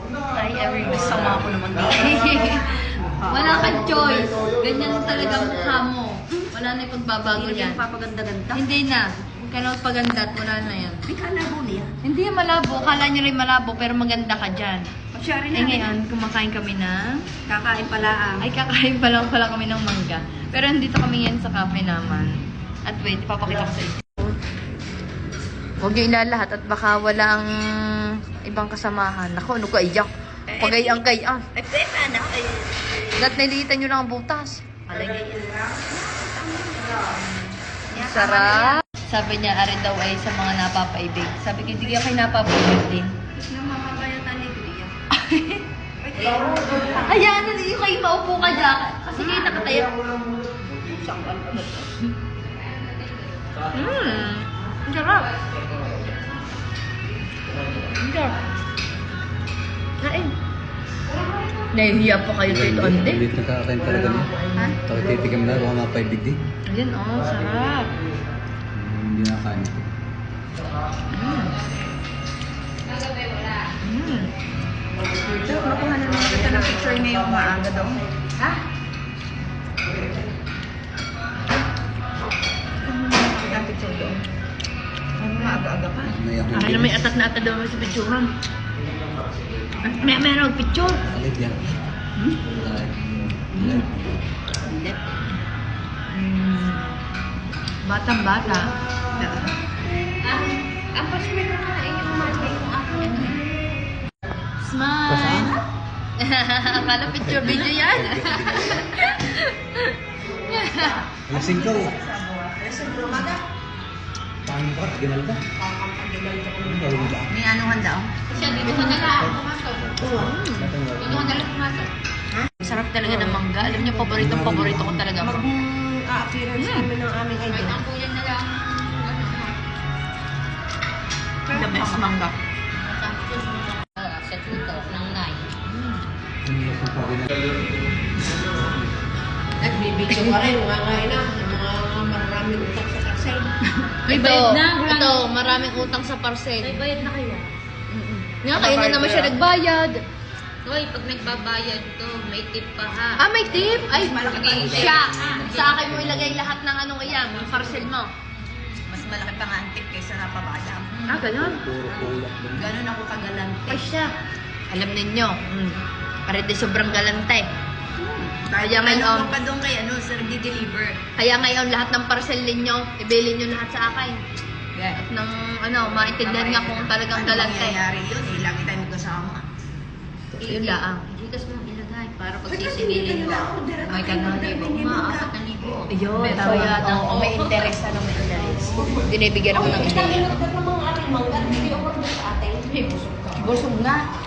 Ay, every masama ako naman dito. Wala kang choice. Ganyan talaga mukha mo. Wala na yung pagbabago Hindi yan. yan papaganda-ganda. Hindi na. Huwag ka na magpaganda at wala na yan. May kalabo niya. Hindi yan malabo. Kala nyo rin malabo pero maganda ka dyan. Pasyari Eh ngayon, kumakain kami na. Kakain pala ang. Ay, kakain pa lang pala kami ng mangga. Pero nandito kami ngayon sa cafe naman. At wait, ipapakita ko sa inyo. Huwag niyo ilalahat at baka walang ibang kasamahan. Ako, ano ka iyak? Pagayang-gayang. Ay, paano? Ay, Dapat nililitan nyo lang ang butas. palagay yan. Sarap. Sabi niya, arin daw ay sa mga napapaibig. Sabi ko, hindi kayo kayo napapaibig din. Namamayatan ni Kuya. Ayan, hindi kayo maupo ka dyan. Kasi kayo nakatayo. Ang sarap. Ang sarap. Kain. Nahihiya pa kayo dito, ande. Ulit na kakain talaga niya. Ha? Takititigam na, baka mapaibig din. Ayan, oh, sarap. Hindi nakakain. So, makuha na naman kita ng picture ngayong maaga daw. Ha? Kita ng picture doon. Ano maaga-aga pa? Naiyak yung Akin na may atat na atat daw sa picturean. Meron picture. Alit yan. Alit. Batang-bata. Ang pasway na kain yung umaga yung akin. Smile! Akala picture video yan. Lasing ka oh. Sa umaga? Paano ka? Ginal ka? Gawin ba? May anuhan daw? Siya, dito ka nila. Dito ka nila pumasok. Sarap talaga ng mangga. Alam niyo, paborito ko talaga. Mag-appearance kami ng aming idol. Ang kuya na lang. The best mangga. Sa tuto ng 9. Umiyak ang pagin. Nagbibigyo ka rin, mga na, mga maraming utak sa kasay. May bayad na. Ito, maraming utang sa parcel. May bayad na kayo. Nga, kayo na naman siya nagbayad. Hoy, pag nagbabayad to, may tip pa ha. Ah, may tip? Ay, malaki pa ang tip. siya. Sa akin mo ilagay lahat ng ano yan, ng parcel mo. Mas malaki pa nga ang tip kaysa napabaya. Ah, ganun. Puro kulak lang. Ganun ako kagalante. Ay, siya. Alam ninyo, parete sobrang galante. Kaya Kaya ngayon, mo pa doon kay ano, sir, di-deliver. Kaya ngayon lahat ng parcel ninyo, ibilin nyo lahat sa akin. Yeah. At nang ano, maintindihan nga kung talagang Ano galante. mangyayari yun? Eh, lagi tayo magkasama. Yun lang. Gigas mong ilagay para pag sisingilin mo. May 3,000, mga 4,000. Ayun, tama. Oo, may interest. Ano, may interest. Binibigyan ako ng ideya. Busog nga.